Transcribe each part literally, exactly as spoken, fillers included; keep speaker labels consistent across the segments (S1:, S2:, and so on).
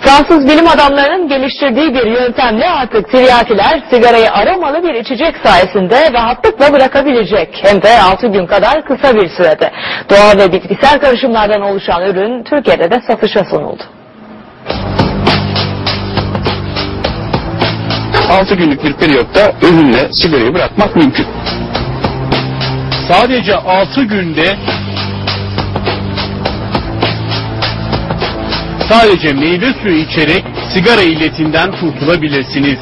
S1: Fransız bilim adamlarının geliştirdiği bir yöntemle artık tiryakiler sigarayı aromalı bir içecek sayesinde rahatlıkla bırakabilecek. Hem de altı gün kadar kısa bir sürede. Doğal ve bitkisel karışımlardan oluşan ürün Türkiye'de de satışa sunuldu.
S2: altı günlük bir periyotta ürünle sigarayı bırakmak mümkün.
S3: Sadece altı günde sadece meyve suyu içerek sigara illetinden kurtulabilirsiniz.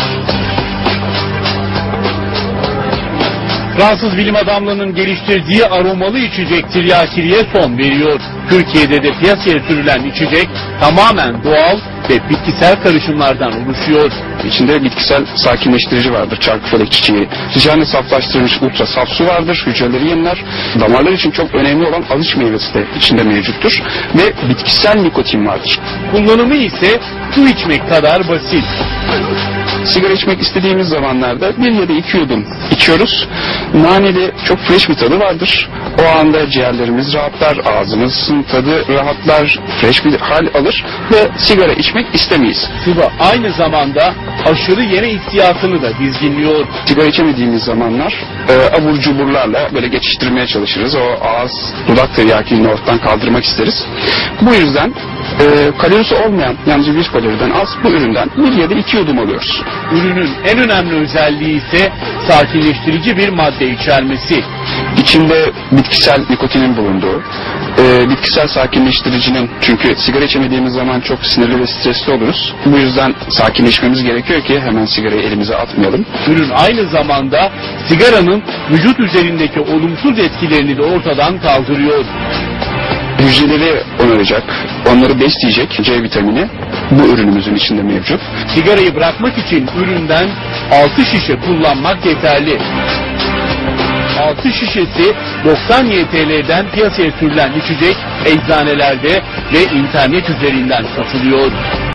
S3: Fransız bilim adamlarının geliştirdiği aromalı içecek tiryakiliye son veriyor. Türkiye'de de piyasaya sürülen içecek tamamen doğal ve bitkisel karışımlardan oluşuyor.
S2: İçinde bitkisel sakinleştirici vardır, çarkıfelek çiçeği. Sıcağını saflaştırılmış ultra saf su vardır, hücreleri yeniler. Damarlar için çok önemli olan alış meyvesi de içinde mevcuttur. Ve bitkisel nikotin vardır.
S3: Kullanımı ise su içmek kadar basit.
S2: Sigara içmek istediğimiz zamanlarda bir ya da iki yudum içiyoruz. Naneli çok fresh bir tadı vardır. O anda ciğerlerimiz rahatlar, ağzımızın tadı rahatlar, fresh bir hal alır ve sigara içmek istemeyiz.
S3: Sıvı aynı zamanda aşırı yeme hissiyatını da dizginliyor.
S2: Sigara içemediğimiz zamanlar e, abur cuburlarla böyle geçiştirmeye çalışırız. O ağız, dudak tiryakiliğini ortadan kaldırmak isteriz. Bu yüzden e, kalorisi olmayan, yalnızca bir kaloriden az bu üründen bir ya da iki yudum alıyoruz.
S3: Ürünün en önemli özelliği ise sakinleştirici bir madde içermesi.
S2: İçinde bitkisel nikotinin bulunduğu, e, bitkisel sakinleştiricinin, çünkü sigara içemediğimiz zaman çok sinirli ve stresli oluruz. Bu yüzden sakinleşmemiz gerekiyor ki hemen sigarayı elimize atmayalım.
S3: Ürün aynı zamanda sigaranın vücut üzerindeki olumsuz etkilerini de ortadan kaldırıyor.
S2: Hücreleri onaracak, onları besleyecek C vitamini bu ürünümüzün içinde mevcut.
S3: Sigarayı bırakmak için üründen altı şişe kullanmak yeterli. altı şişesi doksan Y T L'den piyasaya sürülen içecek eczanelerde ve internet üzerinden satılıyor.